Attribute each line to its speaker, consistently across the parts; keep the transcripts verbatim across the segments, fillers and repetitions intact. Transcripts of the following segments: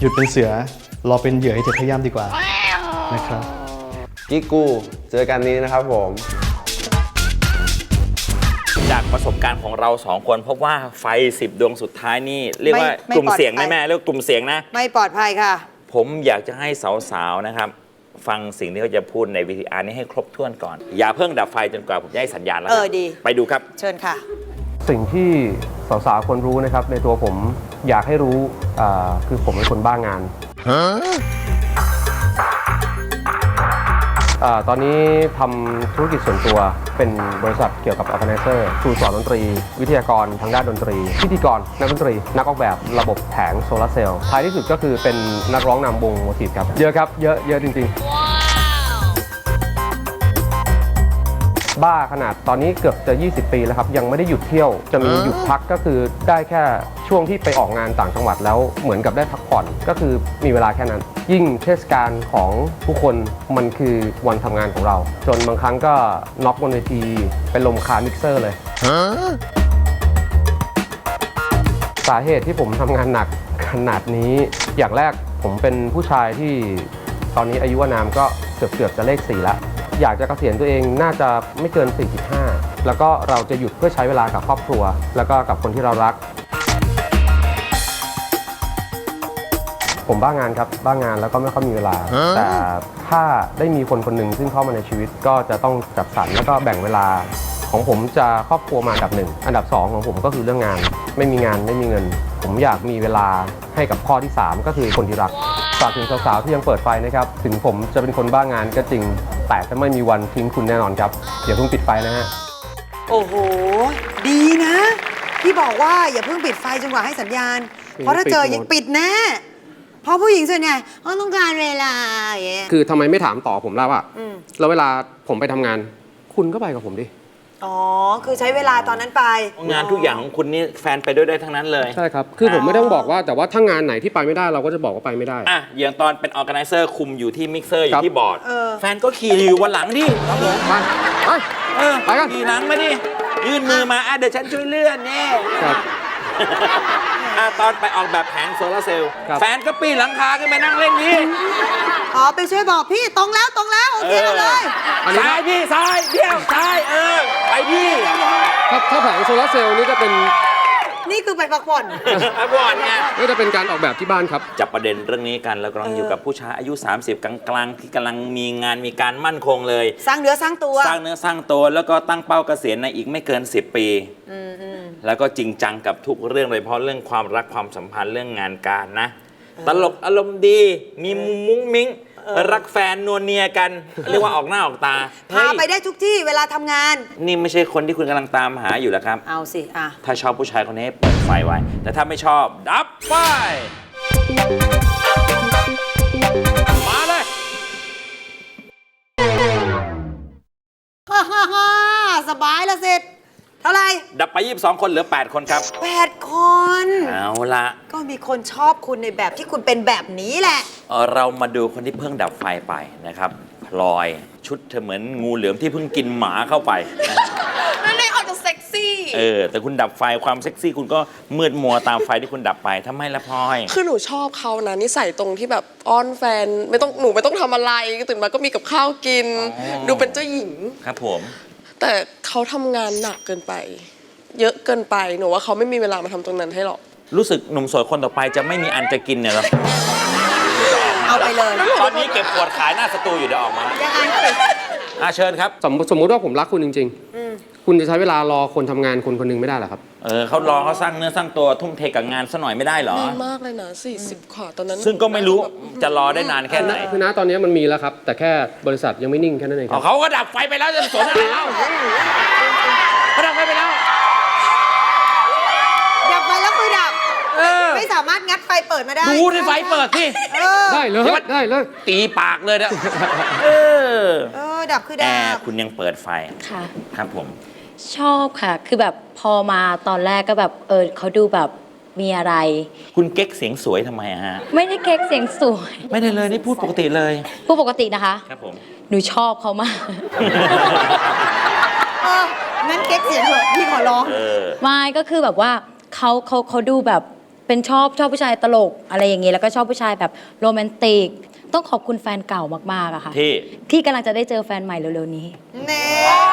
Speaker 1: ยุดเป็นเสือรอเป็นเหยื่อให้เธอพยายามดีกว่านะครับ
Speaker 2: กิ๊กกูเจอกันนี้นะครับผม
Speaker 3: จากประสบการณ์ของเราสองคนพบว่าไฟสิบดวงสุดท้ายนี่เรียกว่ากลุ่มเสียงได้แม่เรียกกลุ่มเสียงนะ
Speaker 4: ไม่ปลอดภัยค่ะ
Speaker 3: ผมอยากจะให้สาวๆนะครับฟังสิ่งที่เขาจะพูดในวิดีอาร์นี้ให้ครบถ้วนก่อนอย่าเพิ่งดับไฟจนกว่าผมจะให้สัญญาณแล้ว
Speaker 4: เออดี
Speaker 3: ไปดูครับ
Speaker 4: เชิญค่ะ
Speaker 5: สิ่งที่สาวๆควรรู้นะครับในตัวผมอยากให้รู้คือผมเป็นคนบ้างานตอนนี้ทำธุรกิจส่วนตัวเป็นบริษัทเกี่ยวกับ Organizer ครูสอนดนตรีวิทยากรทางด้านดนตรีพิธีกรนักดนตรีนักออกแบบระบบแผงโซลาร์เซลล์ท้ายที่สุดก็คือเป็นนักร้องนำวงโมทีฟครับเยอะครับเยอะเยอะจริงๆบ้าขนาดตอนนี้เกือบจะยี่สิบปีแล้วครับยังไม่ได้หยุดเที่ยวจะมีหยุดพักก็คือได้แค่ช่วงที่ไปออกงานต่างจังหวัดแล้วเหมือนกับได้พักผ่อนก็คือมีเวลาแค่นั้นยิ่งเทศกาลของผู้คนมันคือวันทำงานของเราจนบางครั้งก็น็อกบนเวทีเป็นลมคามิกเซอร์เลยสาเหตุที่ผมทำงานหนักขนาดนี้อย่างแรกผมเป็นผู้ชายที่ตอนนี้อายุอานามก็เกือบเกือบจะเลขสี่แล้วอยากจะเกษียณตัวเองน่าจะไม่เกินสี่สิบห้าแล้วก็เราจะหยุดเพื่อใช้เวลากับครอบครัวแล้วก็กับคนที่เรารักผมบ้างานครับบ้างานแล้วก็ไม่ค่อยมีเวลาแต่ถ้าได้มีคนคนหนึ่งซึ่งเข้ามาในชีวิตก็จะต้องจัดสรรแล้วก็แบ่งเวลาของผมจะครอบครัวมาอันดับหนึ่งอันดับสองของผมก็คือเรื่องงานไม่มีงานไม่มีเงินผมอยากมีเวลาให้กับข้อที่สามก็คือคนที่รักฝากถึงสาวๆที่ยังเปิดไฟนะครับถึงผมจะเป็นคนบ้างานก็จริงแต่จะไม่มีวันทิ้งคุณแน่นอนครับอย่าเพิ่งปิดไฟนะฮะ
Speaker 4: โอ้โหดีนะที่บอกว่าอย่าเพิ่งปิดไฟจนกว่าให้สัญญาณเพราะถ้าเจอยังปิดแน่เพราะผู้หญิงส่วนใหญ่เขาต้องการเวลาอย่างเงี้ย
Speaker 5: คือทำไมไม่ถามต่อผมแล้วอะแล้วเวลาผมไปทำงานคุณก็ไปกับผมดิ
Speaker 4: อ๋อคือใช้เวลาตอนนั้นไป
Speaker 3: งานทุกอย่างของคุณนี่แฟนไปด้วยได้ทั้งนั้นเลย
Speaker 5: ใช่ครับคือผมไม่ต้องบอกว่าแต่ว่าถ้างานไหนที่ไปไม่ได้เราก็จะบอกว่าไปไม่ได้
Speaker 3: อ่ะอย่างตอนเป็นออร์แกไนเซอร์คุมอยู่ที่มิกเซอร์อยู่ที่บอร์ดแฟนก็ขี่อยู่วันหลังดิครับผม
Speaker 5: ไปไป
Speaker 3: เออไปกันขี่หลังมาดิยื่นมือมาอ่ะเดี๋ยวฉันช่วยเลื่อนเนี่ย
Speaker 5: ครับ
Speaker 3: ตอนไปออกแบบแผงโซลาร์เซลล์แฟนก็ปีนหลังคาขึ้นไปนั่งเล่นนี่
Speaker 4: อ๋อไปช่วยบอกพี่ตรงแล้วตรงแล้วโอเคเลย
Speaker 3: ซ้ายพี่ซ้ายเดี่ยวซ้ายเออไปพี่
Speaker 5: ถ้าถ้าแผงโซลาร์เซลล์นี่จะเป็น
Speaker 4: นี่คือไปพักผ่อน
Speaker 3: พักผ่อนไง
Speaker 5: นี่จะเป็นการออกแบบที่บ้านครับ
Speaker 3: จับประเด็นเรื่องนี้กันแล้วกำลังอยู่กับผู้ชายอายุสามสิบกลางๆที่กำลังมีงานมีการมั่นคงเลย
Speaker 4: สร้างเนื้อสร้างตัว
Speaker 3: สร้างเนื้อสร้างตัวแล้วก็ตั้งเป้าเกษียณในอีกไม่เกินสิบปีแล้วก็จริงจังกับทุกเรื่องเลยเพราะเรื่องความรักความสัมพันธ์เรื่องงานการนะตลกอารมณ์ดีมีมุ้งมุ้งมิ้งรักแฟนนวลเนียกันเรียกว่าออกหน้าออกตา
Speaker 4: พาไปได้ทุกที่เวลาทำงาน
Speaker 3: นี่ไม่ใช่คนที่คุณกำลังตามหาอยู่แล้วครับ
Speaker 4: เอาสิอ่ะ
Speaker 3: ถ้าชอบผู้ชายคนนี้เปิดไฟไว้แต่ถ้าไม่ชอบดับไฟมาเลย
Speaker 4: ฮ่าฮ่าฮ่าสบายละเสร็จเท่าไร
Speaker 3: ดับไปยี่สิบสองคนเหลือแปดคนครับ
Speaker 4: แปดคน
Speaker 3: เอาละ
Speaker 4: ก็มีคนชอบคุณในแบบที่คุณเป็นแบบนี้แหละ
Speaker 3: เรามาดูคนที่เพิ่งดับไฟไปนะครับพลอยชุดเธอเหมือนงูเหลือมที่เพิ่งกินหมาเข้าไป
Speaker 6: นั่นเลยออกจะเซ็กซี่
Speaker 3: เออแต่คุณดับไฟความเซ็กซี่คุณก็มืดมัวตามไฟที่คุณดับไปทำไมละพลอย
Speaker 6: คือหนูชอบเขานะนิสัยตรงที่แบบอ้อนแฟนไม่ต้องหนูไม่ต้องทำอะไรตื่นมาก็มีกับข้าวกินดูเป็นเจ้าหญิง
Speaker 3: ครับผม
Speaker 6: แต่เขาทำงานหนักเกินไปเยอะเกินไปหนูว่าเขาไม่มีเวลามาทำตรงนั้นให้หรอก
Speaker 3: รู้สึกหนุ่มโสดคนต่อไปจะไม่มีอันจะกินเนี่ยหรอ
Speaker 4: เอาไปเลย
Speaker 3: ตอนนี้เก็บขวดขายหน้าสตูอยู่เดี๋ยวออกมา
Speaker 4: ยังไง
Speaker 3: อ่ะเชิญครับ
Speaker 5: สมมติสมมติว่าผมรักคุณจริงๆคุณจะใช้เวลารอคนทำงานคนคนนึงไม่ได้หรอครับ
Speaker 3: เออเขารอเขาสร้างเนื้อสร้างตัวทุ่มเทกับงานซะหน่อยไม่ได้หรอน
Speaker 6: านมากเลยนะสี่สิบขวบตอนนั้น
Speaker 3: ซึ่งก็ไม่รู้จะรอได้นานแค่ไหน
Speaker 5: คือนะตอนนี้มันมีแล้วครับแต่แค่บริษัทยังไม่นิ่งแค่นั้นเองครับ
Speaker 3: เขาก็ดับไฟไปแล้วจะสนอะไรเล่าเขาดับไฟไปแล้ว
Speaker 4: ดับไฟแล้วคือดับไม่สามารถงัดไฟเปิดมาได้
Speaker 3: ดูในไฟเปิดที่
Speaker 5: ได้เลยได้เลย
Speaker 3: ตีปากเลยนะ
Speaker 4: เออเออดับคือดับ
Speaker 3: แอร์คุณยังเปิดไฟ
Speaker 7: ค่ะ
Speaker 3: ครับผม
Speaker 7: ชอบค่ะคือแบบพอมาตอนแรกก็แบบเออเขาดูแบบมีอะไร
Speaker 3: คุณเก๊กเสียงสวยทำไมฮะ
Speaker 7: ไม่ได้เก๊กเสียงสวย
Speaker 3: ไม่ได้เลยนี่พูดปกติเลย
Speaker 7: พูดปกตินะคะ
Speaker 3: ครับผม
Speaker 7: หนูชอบเขามาก
Speaker 4: เอองั้นเก๊กเสียงเถอะพี่ขอร้อง
Speaker 7: ไม่ก็คือแบบว่าเขาเขาเขาดูแบบเป็นชอบชอบผู้ชายตลกอะไรอย่างงี้แล้วก็ชอบผู้ชายแบบโรแมนติกต้องขอบคุณแฟนเก่ามากๆอะค่ะ
Speaker 3: ที่
Speaker 7: ที่กำลังจะได้เจอแฟนใหม่เร็วๆนี้
Speaker 4: เน่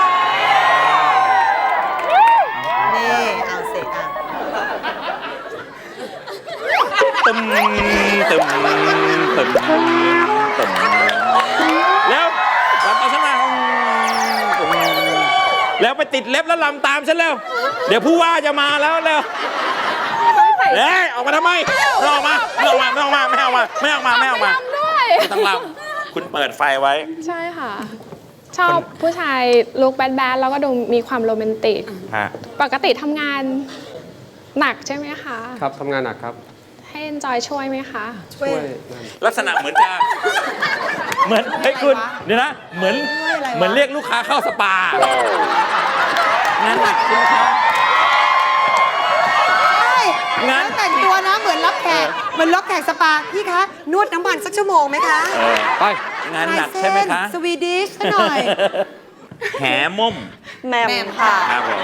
Speaker 4: นี่เอาเสร็จอ่ะ
Speaker 3: ตึมตึมตึมตึมแล้วลำตามฉันมาแล้วไปติดเล็บแล้วลำตามฉันแล้ว เดี๋ยวผู้ว่าจะมาแล้วแล้วเฮ้ยออกมาทำไมไม่ออกมาไม่ออกมาไม่ออกมาไม่ออกมาไม่ออกมาไม่ออกมาไม่ต้องลำคุณเปิดไฟไว้
Speaker 8: ใช่ค่ะ ชอบผู้ชายลุคแบดแบดแล้วก็ดูมีความโรแมนติก
Speaker 3: ฮะ
Speaker 8: ปกติทำงานหนักใช่ไหมคะ
Speaker 5: ครับทำงานหนักครับ
Speaker 8: ให้เอนจอยช่วยไหมคะ
Speaker 4: ช่วย
Speaker 3: ลักษณะเหมือนจะเหมือนเฮ้ยคุณเดี๋ยวนะเหมือนเหมือนเรียกลูกค้าเข้าสปางานหนักคุณลูกค้า
Speaker 4: งานแต่งตัวนะเหมือนรับแขกเหมือนรับแขกสปาพี่คะนวดน้ำมันสักชั่วโมงไหมคะ
Speaker 3: เออ
Speaker 5: ไป
Speaker 3: งานหนักใช่ไหมคะ
Speaker 4: สวีดิชหน่อย
Speaker 3: แหม่ม
Speaker 6: แหม่มค่ะ
Speaker 3: ครับผม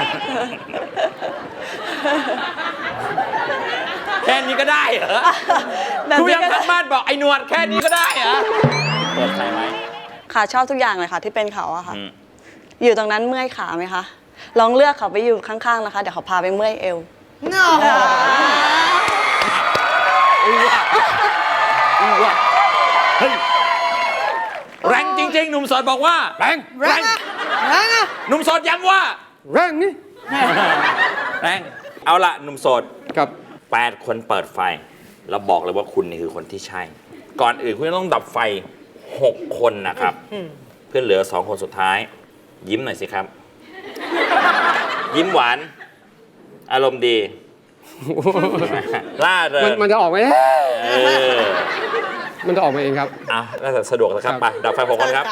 Speaker 3: แค่นี้ก็ได้เหรอคุณยังทางบ้านบอกไอ้หนวดแค่นี้ก็ได้เหรอเปิดไฟไหม
Speaker 6: ค่ะชอบทุกอย่างเลยค่ะ ที่เป็นเขาอะค่ะ
Speaker 3: อืม
Speaker 6: อยู่ตรงนั้นเมื่อยขาไหมคะ ลองเลือกเขาไปอยู่ข้างๆนะคะ เดี๋ยวเขาพาไปเมื่อยเอว
Speaker 4: เนาะ
Speaker 3: อู้ว่ะอู้ว่ะเฮ้ยแรงจริง ๆ หนุ่มโสดบอกว่าแรง
Speaker 4: แรงอะแรงอะ
Speaker 3: หนุ่มโสดย้ำว่า
Speaker 5: แรงนี่
Speaker 3: แรงเอาละหนุ่มโสด
Speaker 5: กับ
Speaker 3: แปดคนเปิดไฟ แล้วบอกเลยว่าคุณนี่คือคนที่ใช่ ก่อนอื่นคุณต้องดับไฟหกคนนะครับ เพื่อเหลือสองคนสุดท้าย ยิ้มหน่อยสิครับ ยิ้มหวาน อารมณ์ดี ล่าเริ
Speaker 5: มัน
Speaker 3: ง
Speaker 5: มันจะออกไหม
Speaker 3: เออ
Speaker 5: มันจะออกมาเองครับ
Speaker 3: อ่ะน่าจะสะดวกแล้วครับ
Speaker 5: ครับ
Speaker 3: ไปดับไฟหกคนครับ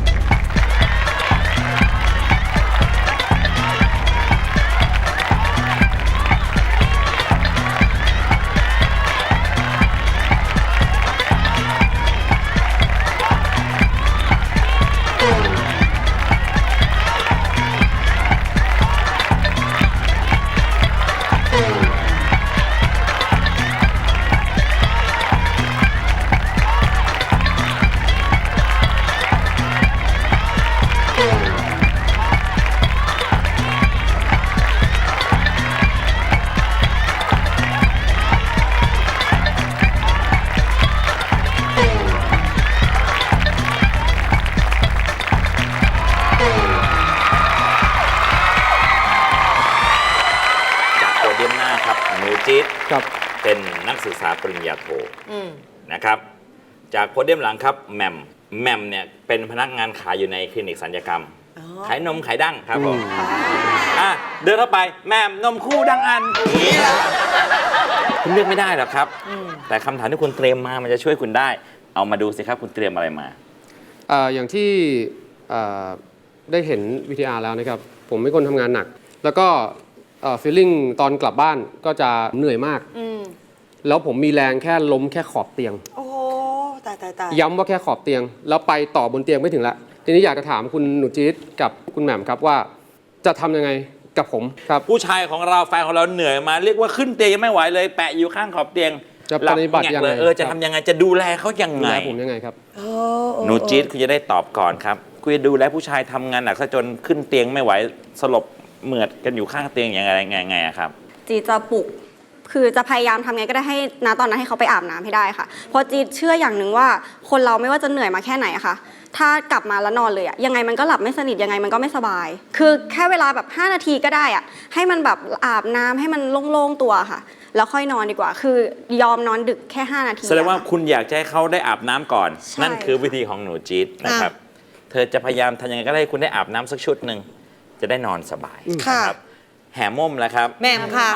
Speaker 3: จากโพเดียมหน้าครับหนูจี๊ด
Speaker 5: ครับ
Speaker 3: เป็นนักศึกษาปริญญาโทนะครับ จากโพเดียมหลังครับแหม่มแหม่มเนี่ยเป็นพนักงานขายอยู่ในคลินิกศัลยกรรม ขายนมขายดั้งครับผมอ่ะเดินเข้าไปแหม่มนมคู่ดั้งอันนี่คุณเลือกไม่ได้หรอกครับ แต่คำถามที่คุณเตรียมมามันจะช่วยคุณได้ เอามาดูสิครับคุณเตรียมอะไรมา
Speaker 5: เอ่ออย่างที่เอ่อได้เห็นวีทีอาร์แล้วนะครับ ผมเป็นคนทำงานหนัก แล้วก็ฟีลลิ่งตอนกลับบ้านก็จะเหนื่อยมาก แล้วผมมีแรงแค่ล้มแค่ขอบเตียง
Speaker 4: โอ้โหตายตายตาย
Speaker 5: ย้ำว่าแค่ขอบเตียง แล้วไปต่อบนเตียงไม่ถึงละทีนี้อยากจะถามคุณหนูจี๊ดกับคุณแหม่มครับว่าจะทำยังไงกับผมครับ
Speaker 3: ผู้ชายของเราแฟนของเราเหนื่อยมา เรียกว่าขึ้นเตียงยังไม่ไหวเลย แปะอยู่ข้างขอบเตียง
Speaker 5: จะปฏิบัติ
Speaker 3: หลั
Speaker 5: ยัง
Speaker 3: เล
Speaker 5: ไง
Speaker 3: เออจะทำยังไงจะดูแลเขายัง
Speaker 5: ดู
Speaker 3: ไง
Speaker 5: แลผมยังไงครับ
Speaker 3: หนูจี๊ดคุณจะได้ตอบก่อนครับคุณจะดูแลผู้ชายทำงานหนักซะจนขึ้นเตียงไม่ไหวสลบเหมือดกันอยู่ข้างเตียงอย่างไรไงไงอะครับ
Speaker 9: จีจะปลุก คือจะพยายามทำไงก็ได้ให้ณตอนนั้นให้เขาไปอาบน้ำให้ได้ค่ะ เพราะจีเชื่ออย่างหนึ่งว่าคนเราไม่ว่าจะเหนื่อยมาแค่ไหนอะค่ะ ถ้ากลับมาแล้วนอนเลยอะยังไงมันก็หลับไม่สนิทยังไงมันก็ไม่สบาย คือแค่เวลาแบบห้านาทีก็ได้อะให้มันแบบอาบน้ำให้มันโล่งๆตัวค่ะ แล้วค่อยนอนดีกว่า คือยอมนอนดึกแค่ห้านาที
Speaker 3: แสดงว่า
Speaker 9: อะค่ะ
Speaker 3: คุณอยากจะให้เขาได้อาบน้ำก่อน
Speaker 9: ใช่
Speaker 3: นั่นคือวิธีของหนูจี๊ดนะครับ เธอจะพยายามทำยังไงก็ได้ให้คุณได้อาบน้ำสักชุดหนึ่งจะได้นอนสบาย
Speaker 4: ค่ะ
Speaker 3: นะครับแห่ม่มแล้วครับ
Speaker 4: แหม่มค่ะ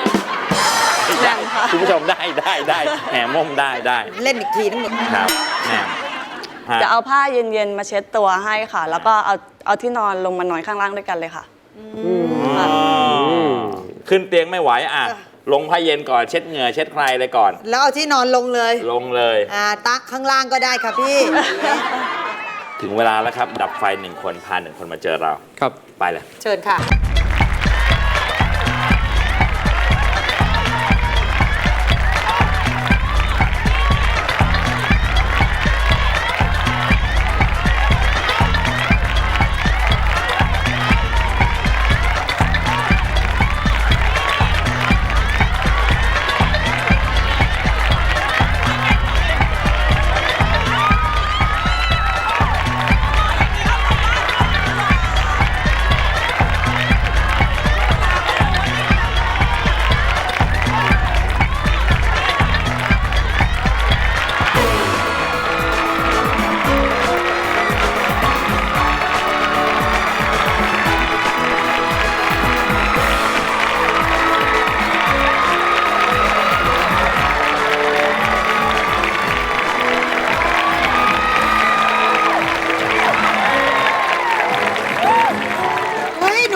Speaker 3: คุณผู้ชมได้ได้ได้แห่ม่มได้ได้
Speaker 4: เล่นอีกทีนึง
Speaker 3: ครับแหม่มฮะ
Speaker 6: จะเอาผ้าเย็นๆมาเช็ดตัวให้ค่ะ แล้วก็เอาเอาที่นอนลงมานอนข้างล่างด้วยกันเลยค่ะ
Speaker 3: อ๋อขึ้นเตียงไม่ไหวอ่ะลงผ้าเย็นก่อนเช็ดเหงื่อเช็ดใครเลยก่อน
Speaker 4: แล้วเอาที่นอนลงเลย
Speaker 3: ลงเลย
Speaker 4: อ่าตักข้างล่างก็ได้ค่ะพี่
Speaker 3: ถึงเวลาแล้วครับ ดับไฟหนึ่งคนพาหนึ่งคนมาเจอเรา
Speaker 5: ครับ
Speaker 3: ไปเลย
Speaker 4: เชิญค่ะ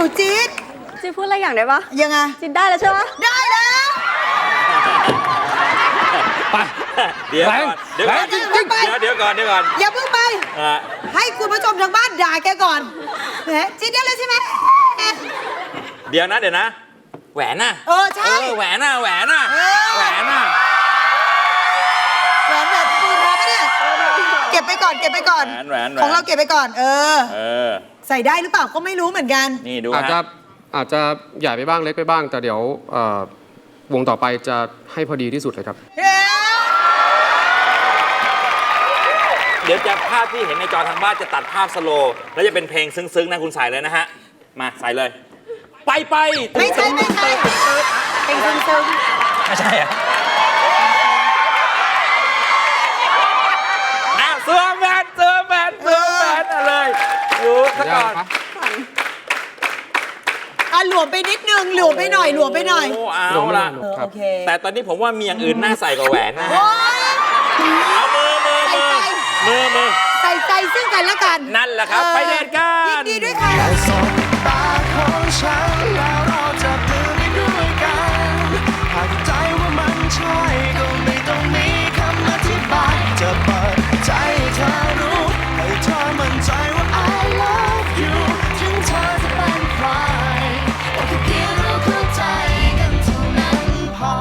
Speaker 4: นูจี๊ด
Speaker 9: จีพูดอะไรอย่างได้ปะ
Speaker 4: ยังไง
Speaker 9: จีได้แล้วใช่ปะ
Speaker 4: ได้แล้ว
Speaker 3: ไปเดี๋ยวก่อนเดี๋ยวก่อน
Speaker 4: แรงจริงๆ
Speaker 3: เดี๋ยวเดี๋ยวก่อนเดี๋ยวก่อน
Speaker 4: อย่าเพิ่งไป
Speaker 3: อ่ะ
Speaker 4: ให้คุณผู้ชมทางบ้านด่าแกก่อนแหมจี๊ดได้เลยใช่ไหม
Speaker 3: เดี๋ยวนะเดี๋ยวนะ แหวนน่ะ
Speaker 4: เออใช่
Speaker 3: เออแหวนน่ะแหวนน่ะ
Speaker 4: เออ
Speaker 3: แหวนน่ะ
Speaker 4: แหวนแบบปูทอปะเนี่ยเก็บไปก่อนเก็บไปก่อน
Speaker 3: แหวนแหวนแหวน
Speaker 4: ของเราเก็บไปก่อน เออ
Speaker 3: เออ
Speaker 4: ใส่ได้หรือเปล่าก็ไม่รู้เหมือนกัน
Speaker 3: นี่ดู
Speaker 5: อาจจะ
Speaker 3: ฮะ
Speaker 5: อาจจะใหญ่ไปบ้างเล็กไปบ้าง แต่เดี๋ยวเอ่อวงต่อไปจะให้พอดีที่สุดเลยครับ
Speaker 3: เดี๋ยวจะภาพที่เห็นในจอทางบ้านจะตัดภาพสโลว์แล้วจะเป็นเพลงซึ้งๆนะคุณใส่เลยนะฮะ มาใส่เลย ไปไป
Speaker 4: ไม่ใช่ไม่ใช่เป็นซึ้ง
Speaker 3: ไม่ใช่อะอ้าวเสื้อแมนเสื้อแมนเสื้อแมนอะไรเลยดูซะก่อน
Speaker 4: ๆอ่ะหลวมไปนิดนึงหลวมไปหน่อยหลวมไปหน่อย
Speaker 3: โอ้เอาละ
Speaker 4: เออโอเค
Speaker 3: แต่ตอนนี้ผมว่ามีอย่างอื่นน่าใส่กว่าแหวนนะฮะ
Speaker 4: โอ๊ย
Speaker 3: เอามือมือมือมือมือ
Speaker 4: ใส่ใจซึ่งกันและกัน
Speaker 3: นั่นแหละครับ
Speaker 4: ออ
Speaker 3: ไปเดทกัน
Speaker 4: ยินดีด้วยค่ะ
Speaker 10: ตาของฉันแล้วเราจับมือไปด้วยกันหากใจว่ามันใช่ก็ไม่ต้องมีคำอธิบายจะเปิดใจให้เธอรู้ให้เธอมั่นใจว่า I love you ถึงเธอจะเป็นใครโอแค่เพียงเราเข้าใจกันเท่านั้นพอ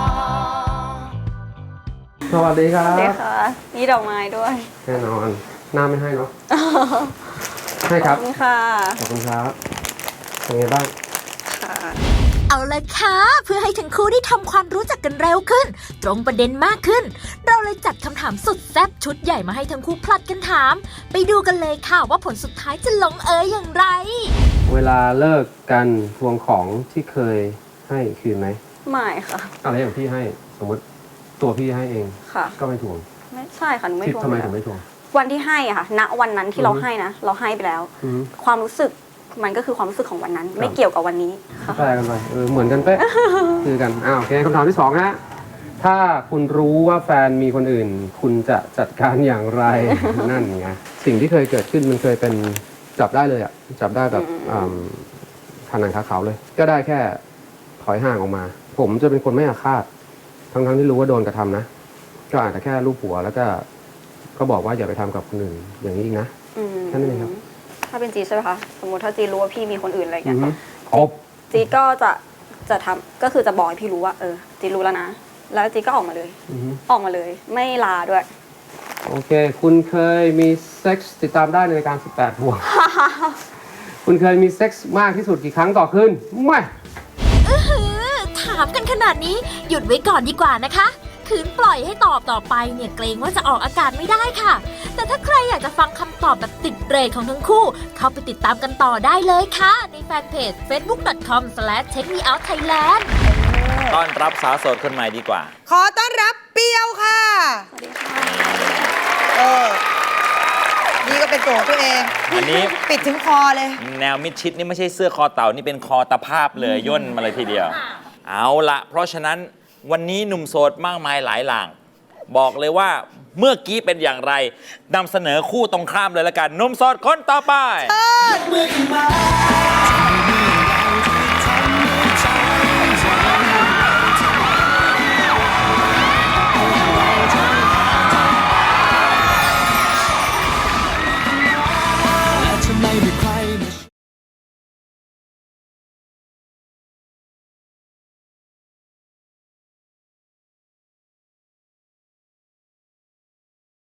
Speaker 5: สวัสดีครับ
Speaker 9: เด็กค่ะมีดอกไม้ด้วย
Speaker 5: แน่นอน หน้าไม่ให้เนาะ ให้ค
Speaker 9: ข
Speaker 5: รั
Speaker 9: อ
Speaker 5: บบ
Speaker 9: คุณค่ะ
Speaker 5: ขอบคุณครับ เป็นไงบ้าง
Speaker 9: ค่ะ
Speaker 11: เอาละค่ะเพื่อให้ทั้งคู่ได้ทำความรู้จักกันเร็วขึ้น ตรงประเด็นมากขึ้น เราเลยจัดคำถามสุดแซ่บชุดใหญ่มาให้ทั้งคู่ผลัดกันถาม ไปดูกันเลยค่ะว่าผลสุดท้ายจะลงเอยอย่างไร
Speaker 5: เวลาเลิกกันทวงของที่เคยให้คืนไหม
Speaker 9: ไม่ค่ะ
Speaker 5: อะไรอย่างพี่ให้ สมมติตัวพี่ให้เอง
Speaker 9: ค่ะ
Speaker 5: ก็ไม่ทวง
Speaker 9: ไม่ใช่ค่ะหนูไม่
Speaker 5: ที่
Speaker 9: ทวง
Speaker 5: ทำไม
Speaker 9: อยู่
Speaker 5: ถึง
Speaker 9: แล้ว
Speaker 5: ไม่ทวง
Speaker 9: วันที่ให้อะค่ะ ณ วันนั้นที่เราให้นะ เราให้ไปแล้ว
Speaker 5: อืม
Speaker 9: ความรู้สึกมันก็คือความรู้สึกของวันนั้น ไม่เกี่ยวกับวันนี้ค่ะ
Speaker 5: แปลกันไปเออเหมือนกันเป๊ะ คือกันอ้าวโอเคคำถามที่สองฮะถ้าคุณรู้ว่าแฟนมีคนอื่น คุณจะจัดการอย่างไร นั่นไงสิ่งที่เคยเกิดขึ้นมันเคยเป็นจับได้เลยอ่ะจับได้แบบขาหนังขาเขาเลย ก็ได้แค่ถอยห่างออกมา ผมจะเป็นคนไม่อาฆาตทั้งๆที่รู้ว่าโดนกระทำนะ ก็อาจจะแค่ลูบหัวแล้วก็ก็บอกว่าอย่าไปทำกับคนอื่นอย่างนี้อีกนะ
Speaker 9: อืม
Speaker 5: แค่นั้นเองครับ
Speaker 9: ถ้าเป็นจีดใช่ไหมคะ สมมติถ้าจีดรู้ว่าพี่มีคนอื่นอะไร
Speaker 5: อื
Speaker 9: เงี้
Speaker 5: อย ฮึครบ
Speaker 9: จีดก็จะจะทำก็คือจะบอกให้พี่รู้ว่าเออจีดรู้แล้วนะ แล้วจีดก็ออกมาเลย
Speaker 5: อือฮึ
Speaker 9: ออกมาเลย ไม่ลาด้วย
Speaker 5: โอเค คุณเคยมีเซ็กส์ติดตามได้ในรายการสิบแปดบวก คุณเคยมีเซ็กส์มากที่สุดกี่ครั้งต่อคืนไม่
Speaker 11: อื้อหือถามกันขนาดนี้หยุดไว้ก่อนดีกว่านะคะคืนปล่อยให้ตอบต่อไปเนี่ยเกรงว่าจะออกอากาศไม่ได้ค่ะ แต่ถ้าใครอยากจะฟังคำตอบแบบติดเรทของทั้งคู่ เข้าไปติดตามกันต่อได้เลยค่ะ ในแฟนเพจ เฟซบุ๊ก ดอท คอม สแลช เทค มี เอาท์ ไทยแลนด์
Speaker 3: ต้อนรับสาวโสดคนใหม่ดีกว่า
Speaker 4: ขอต้อนรับเปียวค่ะ
Speaker 9: สวัสดีค่ะ
Speaker 4: เออ นี่ก็เป็นตัวของตัวเอง
Speaker 3: อันนี้
Speaker 4: ปิดถึงคอเลย
Speaker 3: แนวมิดชิดนี่ไม่ใช่เสื้อคอเต่านี่เป็นคอตะภาพเลยย่นมาเลยทีเดียว เอาละเพราะฉะนั้นวันนี้หนุ่มโสดมากมายหลายหลาง บอกเลยว่าเมื่อกี้เป็นอย่างไรนำเสนอคู่ตรงข้ามเลยละกันหนุ่มโสดคนต่อไป
Speaker 10: เมื่อขึ้นมา